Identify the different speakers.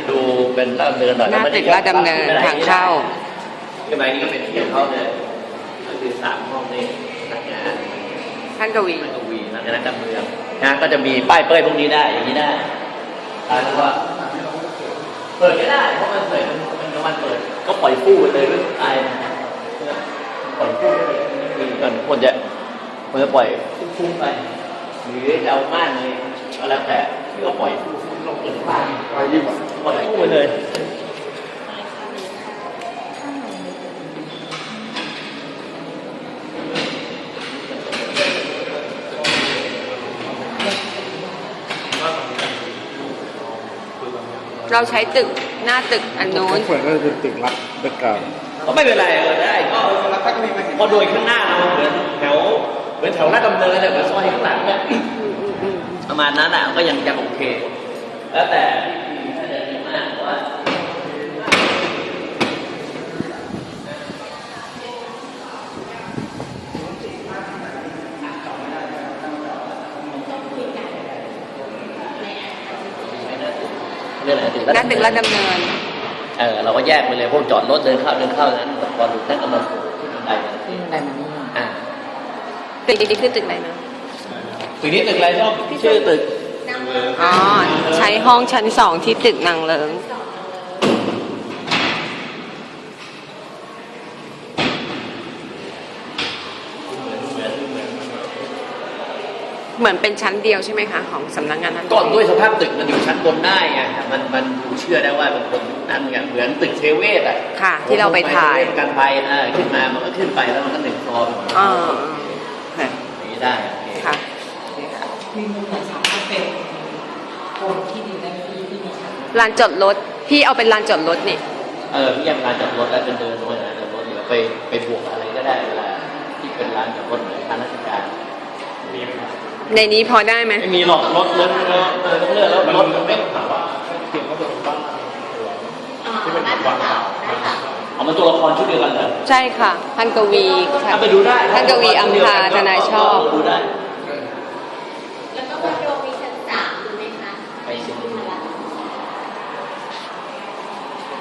Speaker 1: ดูเป็นลาดดำเนินหน่อย
Speaker 2: หน้าตึกลาดดำเนินทางเข้า
Speaker 1: ขึ้นไปนี่ก็เป็นที่ของเขาเลยก็คือ3 ห้องนี่นักงาน
Speaker 2: ท่านกวี
Speaker 1: นักการเมืองนะก็จะมีป้ายเป้ยพวกนี้ได้อย่างนี้ได้แล้วก็เปิดก็ได้เพราะมันเปิดมันกลางวันเปิดก็ปล่อยฟู่ไปเลยด้วยไอ้ปล่อยฟู่มันควรจะปล่อยฟุ้งไปหรือจะเอาม่านเลยก็แล้วแต่ที่ก็ปล่อยฟู่ลงเปิดบ้านปล่อยฟู่ไปเลย
Speaker 2: เราใช้ตึกหน้าตึกอันโน้น
Speaker 3: เหมือนก็เป็นตึกรับตึกเก่า
Speaker 1: ก็ไม่เป็นไรได้ก็พอโดยข้างหน้าเราเหมือนแถวลาดดำเนินเนี่ยเหมือนซอยข้างหลังเนี่ยประมาณนั้นอ่ะก็ยังโอเคแล้วแต่ถ้าจะดีมากว่า
Speaker 2: หน้าตึกลาดดำเนิน
Speaker 1: เราก็แยกไปเลยพวกจอดรถเดินเข้านั้นพอดูนั่นก็มาขึ้นได้
Speaker 2: ตึกนี้คือตึกอะไรนะ
Speaker 1: ตึกนี้ตึกอะไรชอบชื่อตึก
Speaker 2: อ๋อใช้ห้องชั้น2ที่ตึกนางเลิ้งเหมือนเป็นชั้นเดียวใช่ไหมคะของสำนักงานนั้น
Speaker 1: ก่อนด้วยสภาพตึกมันอยู่ชั้นบนได้ไงมันเชื่อได้ว่าเป็นคนนั่นไงเหมือนตึกเทเวศอ่ะ
Speaker 2: ค่ะที่เราไปถ่าย
Speaker 1: กันไปขึ้นมามันก็ขึ้นไปแล้วมันก็1 ฟลอร์นี้ได้
Speaker 2: ค่ะ
Speaker 4: มีมุมไหนสามารถเป็นคนที่ดีได้ที่มีชั้น
Speaker 2: ลานจอดรถพี่เอาเป็นลานจอดรถนี่
Speaker 1: พี่ยังลานจอดรถแล้วเป็นเดินด้วยนะจอดรถหรือไปบวกอะไรก็ได้เวลาที่เป็นลานจอดรถเหมือนทางราชการ
Speaker 2: ในนี้พอได้ไหม
Speaker 1: ไม่มีหรอกรถต้องเลือกแล้วรถมันไม่ถามว่าเขียนว่าเป็นบ้านที่เป็นบ้านเอามาตัวละครชุดเดียวกันเหรอ
Speaker 2: ใช่ค่ะท่านกวี
Speaker 1: ไปดูได้
Speaker 2: ท่านกวีอัมพาทนายชอบ
Speaker 1: ดูได้